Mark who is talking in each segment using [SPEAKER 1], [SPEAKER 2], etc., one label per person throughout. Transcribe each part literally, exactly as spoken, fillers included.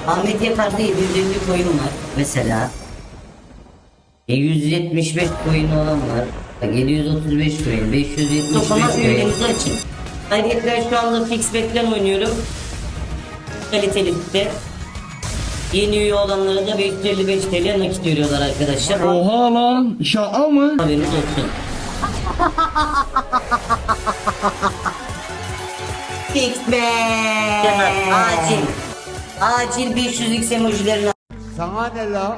[SPEAKER 1] Ahmet Yakar'da yedi yüz elli coin var mesela. E, yüz yetmiş beş coin olan var. Bak, yedi yüz otuz beş coin, beş yüz yetmiş beş coin. Üyeliğinizi açın. Ayrıca ben şu anda fix bet'ten oynuyorum. Kaliteli de. Yeni üye olanlara da beş yüz elli beş T L nakit veriyorlar arkadaşlar.
[SPEAKER 2] Oha lan, şaka mı?
[SPEAKER 1] Haberiniz olsun. Fix bet. Acil. Acil beş yüz x emojilerini
[SPEAKER 3] Sana ne la?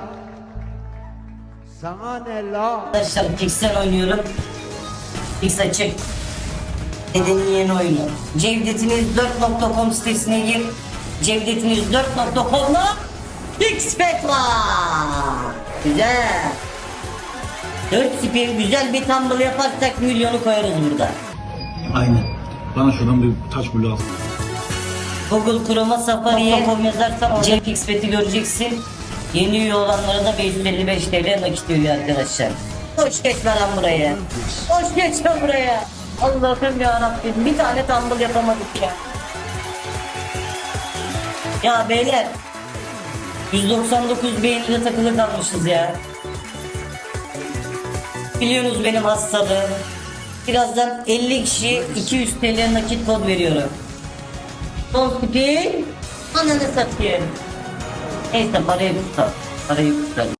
[SPEAKER 3] Sana ne la?
[SPEAKER 1] arkadaşlar Fix'ten oynuyorum. Fix açık. Dedenin yeni oyunu. Cevdetiniz dört nokta com sitesine gir. Cevdetiniz dört nokta com'la Fix bet var. Güzel. dört spin güzel bir tumble yaparsak milyonu koyarız burada.
[SPEAKER 4] Aynen. Bana şuradan bir taş bulu al.
[SPEAKER 1] Google Chrome'a Safari'ye com yazarsan Cem Fix bet'i göreceksin. Yeni üye olanlara da beş yüz elli beş T L nakit veriyor arkadaşlar. Hoş geçme lan buraya. Hoş geçme buraya. Allah'ım yarabbim, bir tane tumble yapamadık ya. Ya beyler, yüz doksan dokuz beğenide takılı kalmışız ya. Biliyorsunuz benim hastalığım. Birazdan elli kişi iki yüz T L nakit kod veriyorum. Son spin, ananı satayım. Neyse parayı tutar. Parayı tutar.